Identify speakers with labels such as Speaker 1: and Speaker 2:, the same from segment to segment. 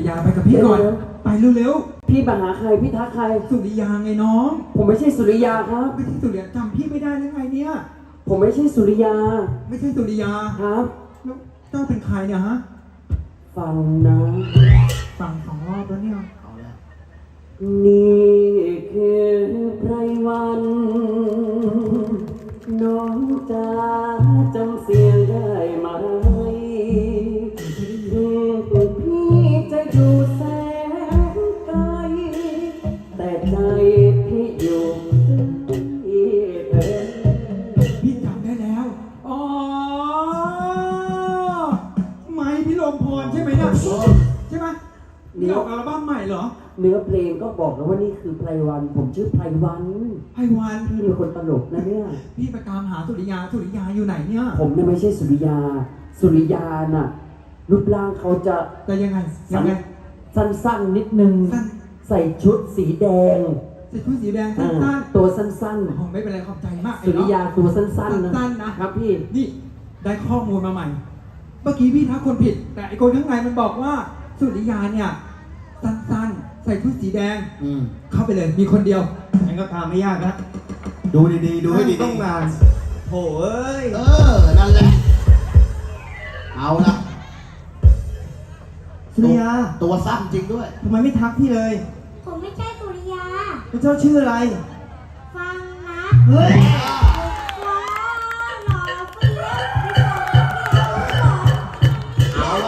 Speaker 1: ยาไปกับพี่ก่อนไปเร็ว
Speaker 2: ๆพี่มาหาใครพี่ทักใคร
Speaker 1: สุริยาไงน้อง
Speaker 2: ผมไม่ใช่สุริยาครับ
Speaker 1: ไม่ใช่สุริยาจำพี่ไม่ได้หรือไงเนี่ย
Speaker 2: ผมไม่ใช่สุริยา
Speaker 1: ไม่ใช่สุริยา
Speaker 2: ครับ
Speaker 1: แล้วเจ้าเป็นใครเนี่ยฮะ
Speaker 2: ฟังนะ
Speaker 1: ฟัง2 รอบแล้วเนี่ย
Speaker 2: นี่คือไพรวันน้องจ๋าจำเสียงได้ไหมพี่จะอยู่แสนไกลแต่ใจพี่อยู่ที่เธอ
Speaker 1: พี่จำได้แล้วอ๋อไม้พี่ลมพรใช่ไหมเนี่ยใช่ไหมนี่ออกอัลบั้มใหม่เหรอ
Speaker 2: เนื้อเพลงก็บอกแล้วว่านี่คือไพรวันผมชื่อไพรวัน
Speaker 1: ไพรวัน
Speaker 2: พี่เป็นคนตลกนะเนี่ย
Speaker 1: พี่ไปตามหาสุริยาอยู่ไหนเนี่ย
Speaker 2: ผมเนี่ยไม่ใช่สุริยาสุริยาน่ะรูปร่างเขาจะ
Speaker 1: ยังไง
Speaker 2: สั้นๆนิดนึงใส่ชุดสีแดง
Speaker 1: ใส่ชุดสีแดงสั้น
Speaker 2: ๆตัวสั้น
Speaker 1: ๆไม่เป็นไรขอบใจมาก
Speaker 2: สุริยาตัวสั้นๆนะครับพี่
Speaker 1: นี่ได้ข้อมูลมาใหม่เมื่อกี้พี่ทักคนผิดแต่ไอ้คนข้างในมันบอกว่าสุริยาเนี่ยสั้นๆใส่ชุดสีแดงเข้าไปเลยมีคนเดียว
Speaker 3: งั้นก็ตามไม่ยากนะดูดีๆดูให้ดีต้องงานโถ่เอ้ย
Speaker 4: นั่นแหละเอาละ
Speaker 3: สุริยา
Speaker 4: ตัวสั้นจริงด้วย
Speaker 3: ทำไมไม่ทักพี่เลย
Speaker 5: ผมไม่ใช่สุริยา
Speaker 3: แล้วเจ้าชื่ออะไร
Speaker 5: ฟังนะ
Speaker 3: เฮ้ย
Speaker 5: ว้าวหล่อเฟี้ยว
Speaker 4: เอาละ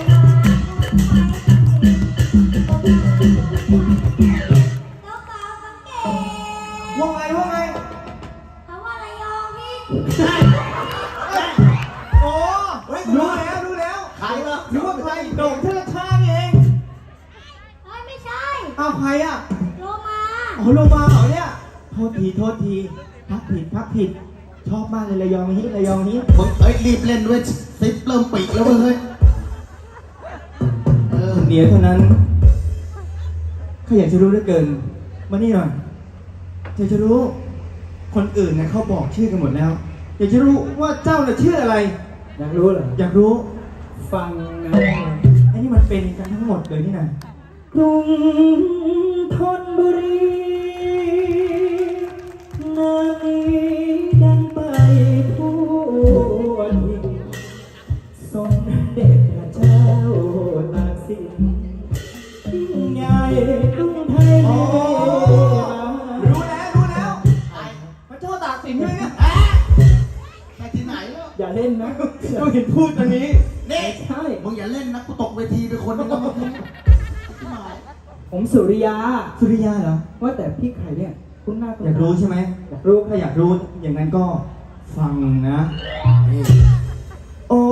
Speaker 5: แล้วกาวกังเกง
Speaker 3: ว่าไง
Speaker 5: เขาว่าอะไรยองพี่
Speaker 3: โอ้รู้แล้ว
Speaker 4: ใครวะ
Speaker 3: รู้ว่าใครโด่งเชิดชาเอง
Speaker 5: เฮ้ยไม่ใช่
Speaker 3: อ้าวใครอ่ะ
Speaker 5: โลมา
Speaker 3: โลมาเหรอเนี่ยโทษทีพักผิดชอบมากเลยระยองนี้
Speaker 4: มึงรีบเล่นด้วยซิปเริ่มปีกแล้วเฮ้ย
Speaker 3: เดี๋ยวเท่านั้นข้าอยากจะรู้เหลือเกินมานี่หน่อยอยากจะรู้คนอื่นนะเขาบอกชื่อกันหมดแล้วอยากจะรู้ว่าเจ้าน่ะชื่ออะไร
Speaker 2: อยากรู้เหรอ
Speaker 3: อยากรู้
Speaker 2: ฟังนะ
Speaker 3: ไอ้นี่มันเป็นกันทั้งหมดเลยนี่นะ
Speaker 2: กรุงธนบุรีนางดังไปทั่วทิศทรงเด็จพระเจ้าตากสินยิ่งใหญ่กรุงไทย
Speaker 3: รู้แล้วพระเจ้าตากสินใช่ไหม
Speaker 4: ใครที่ไหนแล้ว
Speaker 2: อย่าเล่นนะ
Speaker 3: ก็เห็นพูดตรงนี้
Speaker 4: นี่
Speaker 2: ใช่
Speaker 4: มึงอย่าเล่นนะกูตกเวทีไปคนนึงแล้วมึง
Speaker 2: ผมสุริยา
Speaker 3: เหรอ
Speaker 2: ว่าแต่พี่ไข่เนี่ยคุณหน้า
Speaker 3: อยากรู้ใช่ไหม
Speaker 2: อยากรู้
Speaker 3: ถ้าอยากรู้อย่างนั้นก็ฟังนะโอ้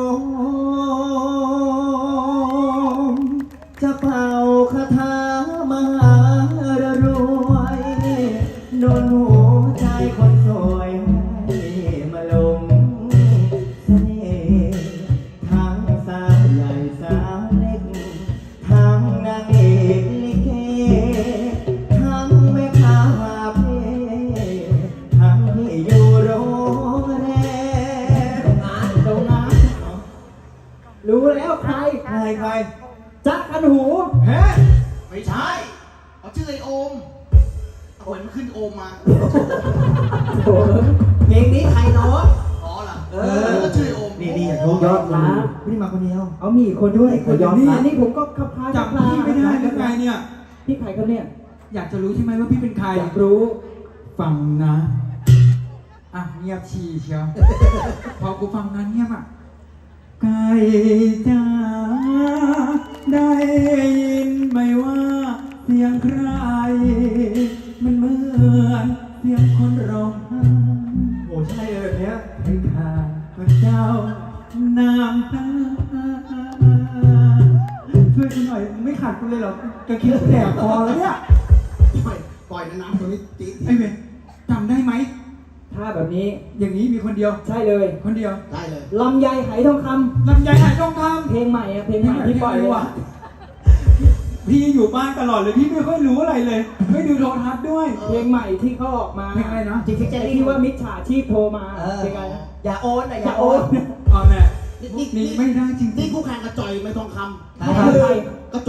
Speaker 3: จะเป่าคาถามหารวยโดนหัวใจคนสวยให้มาลงเสน่ห์ทั้งสาวใหญ่สาวเล็กทั้งนางเอกลิเกทั้งแม่ค้าเพทั้งที่อยู่โรงแรม
Speaker 2: โรงงานรู้แล้วใครจักกันหู
Speaker 3: เฮ้
Speaker 4: ไม่ใช่เขาชื่อไอโอมเอาเหมือนมันขึ้นโอมมา
Speaker 2: เพลงนี้ใครร้อง
Speaker 4: อ๋อเหรอก็ชื่อโอม
Speaker 3: นี่อยากรู้
Speaker 2: ยอดนะ
Speaker 3: ไม่ได้มาคนเดียว
Speaker 2: เอามีคนด้วย
Speaker 1: ยอดนะ
Speaker 2: นี่ผมก็ขับพา
Speaker 1: จับพี่ไม่ได้หรือไงเนี่ย
Speaker 2: พี่ใครเขาเนี่ย
Speaker 1: อยากจะรู้ใช่ไหมว่าพี่เป็นใคร
Speaker 2: อยากรู้
Speaker 1: ฟังนะเงียบชีเชียวพอกูฟังนั้นเงียบไก่จ้าได้ยินไหมว่าเสียงใครมันเหมือนเสียงคนร้องไห้
Speaker 3: โอ้ใช่เลยเนี้ย
Speaker 1: ให้ข้าพระเจ้าน้ำตาช่วยกูหน่อยไม่ขาดกูเลยหรอกกระคิ้วแตกคอแล้วเนี่ย
Speaker 4: ปล่อยน้ำตัวนี้จี๊ด
Speaker 1: ไอ้เว้ยจำได้ไหม
Speaker 2: ถ้าแบบนี้
Speaker 1: อย่างนี้มีคนเดียว
Speaker 2: ใช่เลย
Speaker 1: คนเดียว
Speaker 4: ได้เลย
Speaker 2: ลำไยไหทองคำเพลงใหม่ที่ปล่อยว่ะ
Speaker 1: พี่อยู่บ้านตลอดเลยพี่ไม่ค่อยรู้อะไรเลยไม่ดูโทรทัศน์ด้วย
Speaker 2: เพลงใหม่ที่เขาออกมา
Speaker 1: เพลงอะไรนะ
Speaker 2: จริงๆที่ว่ามิจฉาชีพโทรมาเพลงอะไร
Speaker 3: อย่าโอน
Speaker 2: อย่าโอน
Speaker 1: เอาแหละ
Speaker 4: นี่
Speaker 1: หนีไม่ได้จริงๆ
Speaker 4: นี่คู่แข่งกับจ่อยไม่ทองคำ
Speaker 3: ใคร